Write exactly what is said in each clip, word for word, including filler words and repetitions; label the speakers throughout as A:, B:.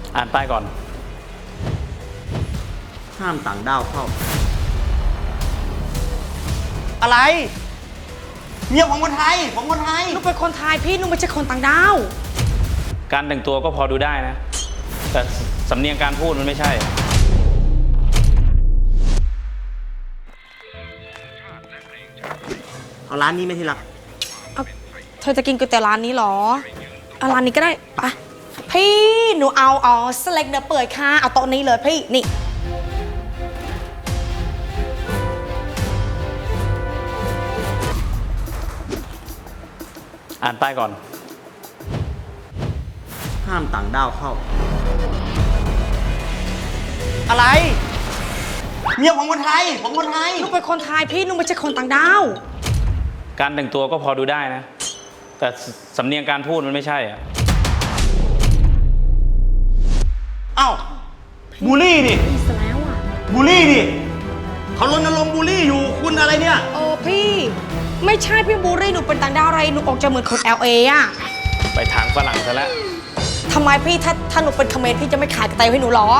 A: อ่านป้ายก่อน
B: ห้ามต่างด้าวเข้าอะไรเมียผมคนไทยผมคนไทย
C: หนูเป็นคนไทยพี่หนูไม่ใช่คนต่างดาว
A: การแต่งตัวก็พอดูได้นะแต่สำเนียงการพูดมันไม่ใช่
B: เอาร้านนี้ไหมที่รัก
C: เอาเธอจะกินก๋วยเตี๋ยวร้านนี้เหรอเอาร้านนี้ก็ได้ไปพี่หนูเอาเอาสเล็กเนื้อเปื่อยค่ะเอาโต๊ะนี้เลยพี่นี่
A: อ่านป้ายก่อน
B: ห้ามต่างด้าวเข้าอะไรเมียผมคนไทยผมคนไทย
C: หนูเป็นคนไทยพี่หนูไม่ใช่คนต่างดาว
A: การแต่งตัวก็พอดูได้นะแต่สำเนียงการพูดมันไม่ใช่อ่ะ
B: เอ้าบูลลี่ดิ
C: อีสแล้วอ่ะ
B: บูลลี่ดิเขารณรงค์บูลลี่อยู่คุณอะไรเนี่ย
C: เออพี่ไม่ใช่พี่บูรี่หนูเป็นต่างดาวอะไรหนูออกจะเหมือนคน แอล เอ อ่ะ
A: ไปทางฝรั่งซะแล้ว
C: ทำไมพี่ถ้าถ้าหนูเป็นเขมรพี่จะไม่ขายกระต่ายให้หนูหรอ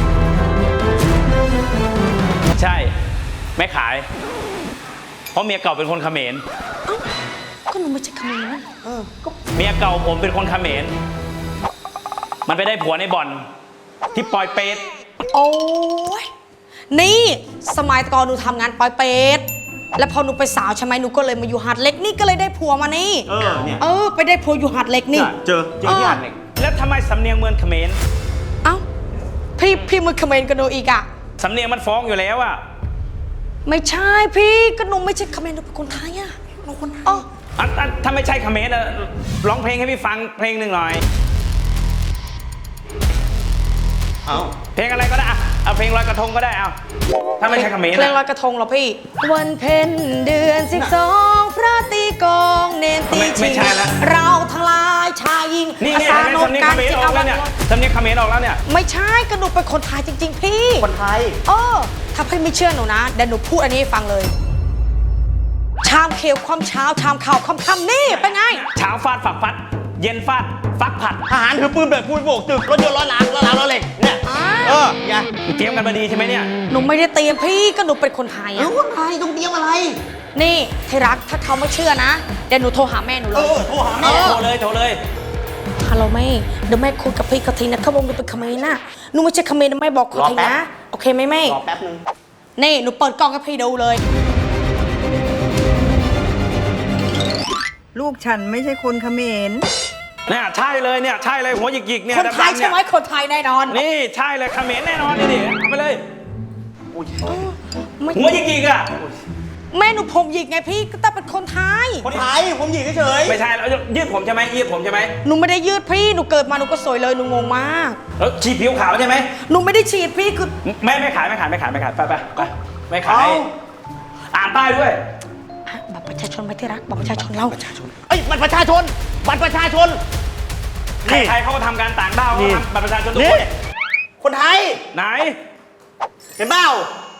A: ใช่ไม่ขายเพราะเมียเก่าเป็นคนเขมร
C: ก็หนูไม่ใช่เขมรนะเออก็
A: เมียเก่าผมเป็นคนเขมรมันไปได้ผัวในบ่อนที่ปอยเปต
C: โอ้ยนี่สมัยก่อนหนูทำงานปอยเปตแล้วพอหนูไปสาวใช่ไหมหนูก็เลยมาอยู่หาดเล็กนี่ก็เลยได้ผัวมานี่
B: เออเนี่ย
C: เออไปได้ผัวอยู่หาดเล็กนี่
B: เจอเจอที่หาดเล็ก
A: แล้วทำไมสำเนียงเมืองเขมร
C: เอ้าพี่พี่มึงเขมรกันหนูอีกอะ
A: สำเนียงมันฟ้องอยู่แล้วอะ
C: ไม่ใช่พี่ก็หนูไม่ใช่เขมรหนูเป็นคนไทยอะหนูคนไทยอ๋อ
A: ถ้าไม่ใช่เขมรอะร้องเพลงให้พี่ฟังเพลงหนึ่งหน่อย
B: เอา
A: เพลงอะไรก็ได้เอาเพลงลอยกระทงก็ได้เอาถ้าไม่ใช่เขมร
C: เพลงลอยกระทงเหรอพี่วันเพ็ญเดือนสิบสองพระตีกองเนนตีชิงเราทั้งหลายชายหญิง
A: นี่เนี่ยสำเนียงเขมรออกแล้วเนี่ยสำเนียงเขมรออกแล้วเนี่ย
C: ไม่ใช่ก็หนูเป็นคนไทยจริงๆพี่
B: คนไทย
C: เออถ้าพี่ไม่เชื่อหนูนะเดี๋ยวหนูพูดอันนี้ให้ฟังเลยชามเขียวความเช้าชามข่าวความค่ำนี่เป็นไง
A: เช้าฟาดฝักฟัดเย็นฟาดฟักผัด
B: ทหารถือปืนแบบพูดโบกตึกรถยนต์ล้อหลังล้อหลังล้อเหล็กเนี่ยเออไง
A: เตรียมกันมาดีใช่ไหมเนี่ย
C: หนูไม่ได้เตรียมพี่ก็หนูเป็นคนไทย
B: อะคนไทยต้องเตรียมอะไร
C: นี่ที่รักถ้าเขาไม่เชื่อนะเดี๋ยวหนูโทรหาแม่หนูเลย
B: เออโทรหาแม่
A: โทรเลยโทรเลย
C: ฮัลโหลแม่เดี๋ยวแม่คุยกับพี่เขาทีนะเขาบอกหนูเป็นเขมรนะหนูไม่ใช่เขมรนะแม่บอกเขาทีนะโอเคไหมแม่
B: รอแป๊บนึง
C: นี่หนูเปิดกล้องให้พี่ดูเลย
D: ลูกฉันไม่ใช่คนเขมร
A: เนี่ยใช่เลยเนี่ยใช่เลยหัวหยิกๆเนี่ย
C: คนไทยใช่ไหมคนไทยแน่นอน
A: นี่ใช่เลยเขมรแน่นอนนี่ดิเอาไปเลยหัวหยิกๆอ่ะ
C: แม่หนูผมหยิกไงพี่ก็ต้องเป็นคนไทย
B: คนไทยผมหยิกเฉย
A: ไม่ใช่แล้วยืดผมใช่ไหมยืดผมใช่ไหม
C: หนูไม่ได้ยืดพี่หนูเกิดมาหนูก็สวยเลยหนูงงมาก
A: แล้วฉีดผิวขาวใช่ไหม
C: หนูไม่ได้ฉีดพี่คือ
A: ไม่ไม่ขายไม่ขายไม่ขายไม่ขายไปไปไปไม่ขายอ่านป้ายด้วย
C: บัตรประชาชนไม่ที่รักบัตรประชาชนเรา
B: ประชาชนเอ้ยบัตรประชาชนบัตรประชาชน
A: ใครๆเขาก็ทำการต่างด้าวเขาทำบัตรประชาชนทุกคน
B: คนไทย
A: ไหน
B: เห็นเปล่า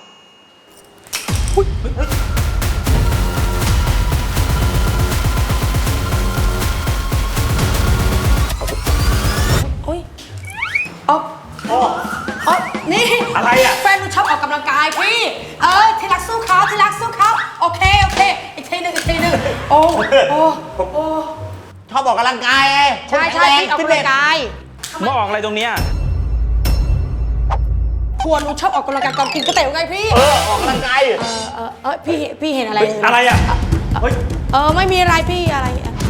C: โอ้ยอ๋ออ๋อนี่
A: อะไรอ่ะ
C: แฟนหนูชอบออกกำลังกายพี่เออที่รักสู้เขาที่รักสู้เขาโอเคโอเคอีกทีหนึ่งอีกทีหนึ่งโอ้โอ้โอ้
B: ชอบออกกำลังกายไง
C: ใช่ใช่ออกกำลังกาย
A: มาออกอะไรตรงเนี้ย
C: ผัวหนูชอบออกกำลังกายก่อนกินก๋วยเตี๋ยวไงพี่
B: เออออกกำลังกาย
C: เออเออเออพี่พี่เห็นอะไร
A: อะไรอ่ะ
C: เฮ้ยเออไม่มีอะไรพี่อะไร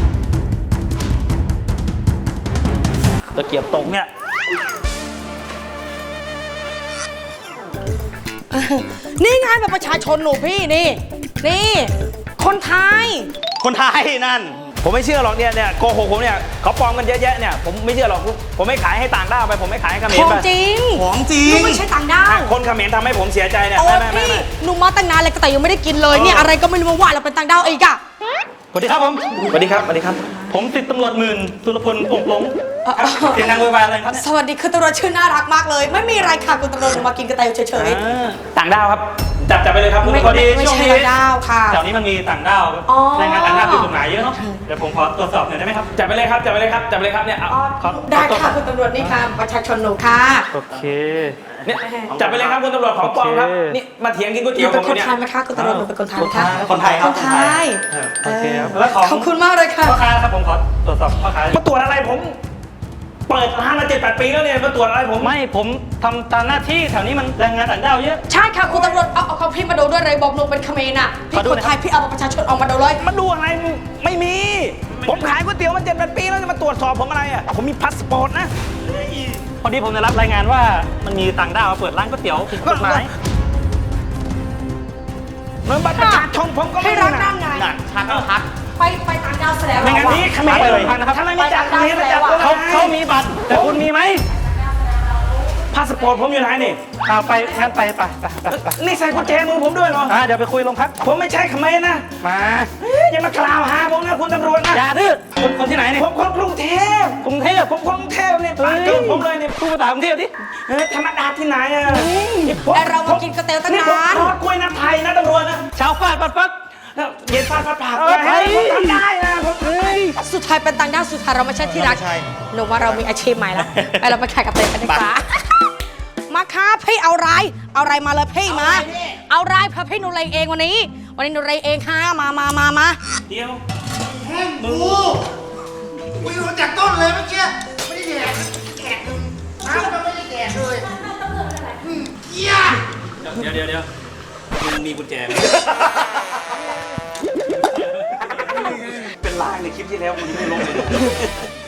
A: ตะเกียบตกเนี่ย
C: นี่ไงแบบประชาชนหนูพี่นี่นี่คนไทย
B: คนไทยนั่น
A: ผมไม่เชื่อหรอกเนี่ยเนี่ยโกหกผมเนี่ยเขาปลอมกันเยอะแยะเนี่ยผมไม่เชื่อหรอกผมไม่ขายให้ต่างด้าวไปผมไม่ขายให้เขมรไป
C: ของจริง
B: ของจริง
C: หนูไม่ใช่ต่างด้าว
A: คนเขมรทำให้ผมเสียใจเนี่ย
C: ไม่ไม่ไม่หนูมาตั้งนานเลยแต่ยังไม่ได้กินเลยเนี่ยอะไรก็ไม่รู้มาว่าเราเป็นต่างด้าวอีกอะ
A: สวัสดีครับผมสวัสดีครับสวัสดีครับผมติดตำรวจหมื่นสุรพลองค์หลงเสียงดังโวยวายอะไรครับ
C: สวัสดีคือตำรวจชื่อน่ารักมากเลยไม่มีอะไรค่ะคุณตำรวจมากินกระต่ายเฉย
A: ๆต่างด้าวครับจับจับไปเลยครับ
C: ไม่
A: พอดี
C: ไม่
A: ช่วง
C: ใช่
A: นี้
C: ระดาวค่ะ
A: แถวนี้มันมีต่างด้าว
C: อ๋อ
A: แรงงานต่างด้าวผิดกฎหมายเยอะเนาะเดี๋ยวผมขอตรวจสอบหน่อยได้ไหมครับจับไปเลยครับจับไปเลยครับจับไปเลยครับเนี่ยเอา
C: อ๋อ
A: ขอ
C: ได้
A: ขอตรวจส
C: ค่ะ
A: อบ
C: คุณตำรวจนี่ค่ะประชาชนหนูค่ะ
A: โอเคเนี่ยจับไปเลยครับคุณตำรวจของปลอมครับ
B: โอเค
A: นี่มาเถียงกินก๋วย
C: ห
A: เตี๋
C: นู
A: ยวผ
C: เป็น
A: ม
C: คน
A: เนี่ย
C: ไทยไหมคะคุณตำรวจหนูเป็นคนไทยไหมคะ
B: คนไทยครับ
C: คนไทย
A: เออโอเคครับแล้วของ
C: ขอบคุณมากเลยค่ะ
A: พ่อค้าครับผมขอตรวจสอบพ่อค้ามาตรวจอะไรผม เปิดร้านมาเจ็ดแปดปีแล้วเนี่ยมาตรวจอะไรผมไม่ผมทำตามหน้าที่แถวนี้มันแรงงานต่างด้าวเยอะ
C: ใช่ค่ะคุณตำรวจเอาเอาเขาพี่มาดูด้วยเลยบอกหนูเป็นเขมรน่ะพี่
A: ขอดู
C: คน
A: หน่อย
C: ไทยพี่เอาบัตรประชาชนออกมาดูเลย
B: มาดูอะไรไม่มี ผมขายก๋วยเตี๋ยวมาเจ็ดแปดปีแล้วจะมาตรวจสอบผมอะไรอ่ะผมมีพาสปอร์ตนะ
A: พอดีผมได้รับรายงานว่ามันมีต่างด้าวมาเปิดร้านก๋วยเตี๋ยวผิดกฎหมาย
B: เงินบัตรประชาชนผมก็ไม่
C: ให้
B: มี
C: รัก
B: นะ
C: นั่นไง
B: น่ะชัดชัด
C: ไปไปต่างดาวแสดง
A: ไม่งั้น
C: ว่า
A: นี่เขมรเลยนะครับ
B: ทำไมไม่จับเขมรไม่จับ
A: เขาเขามีบัตรแต่คุณมีไหม
B: พาสปอร์ตผมอยู่ไหนนี่
A: เอาไปงั้นไปไปไปไปไป
B: นี่ใส่กุญแจมือผมด้วยเหรอ
A: อ่าเดี๋ยวไปคุยโรงพัก
B: ผมไม่ใช่เขมรนะ
A: มา
B: เฮ้ยอย่ามากล่าวหาผมนะคุณตำรวจนะ
A: อย่าดื้อคนคนที่ไหนเนี่ย
B: ผมคนกรุงเทพ
A: กรุงเทพ
B: ผมคนกรุงเทพเนี่ยปากเกินผมเลยเนี่ย
A: พูดภาษากรุงเทพดิ
B: เออธรรมดาที่ไหนอ่ะนี่ผม
C: แต่เรามากินก๋วยเตี๋ยวตั้ง
B: นี่ผม
C: นาน
B: ทอดกล้วยน้ำไทยนะตำรวจนะ
A: ชาวฟาดปัดปัด
B: เย็นฟาดฟาดปาก
A: เออ
B: เฮ้ยผมทำได้นะผมเฮ้ย
C: สุดท้ายเป็นต่างดาวสุดท้ายเราไม่ใช่ที่รัก
B: ไม่ใช่
C: หนูว่าเรามีอาชีพใหม่แล้วไปเราไปขายกับเต้กันดีกว่ามาค่ะพี่เอาไรเอาไรมาเลยพี่มา เอาไรเพราะพี่หนูเลยเองวันนี้ วันนี้หนูเลยเองค่ะมามามามา
A: เดียว
E: กูกูอยู่จากต้นเลยเมื่อกี้ไม่ได้แดกแดกหนึ่งน้ำก็ไม่ได้แดกเลยอืมเหี้ย
A: เดี๋ยวเดี๋ยวเดี๋ยวมึงมีกุญแจไหม
B: เป็นลางในคลิปที่แล้วคุณไม่ลงเลย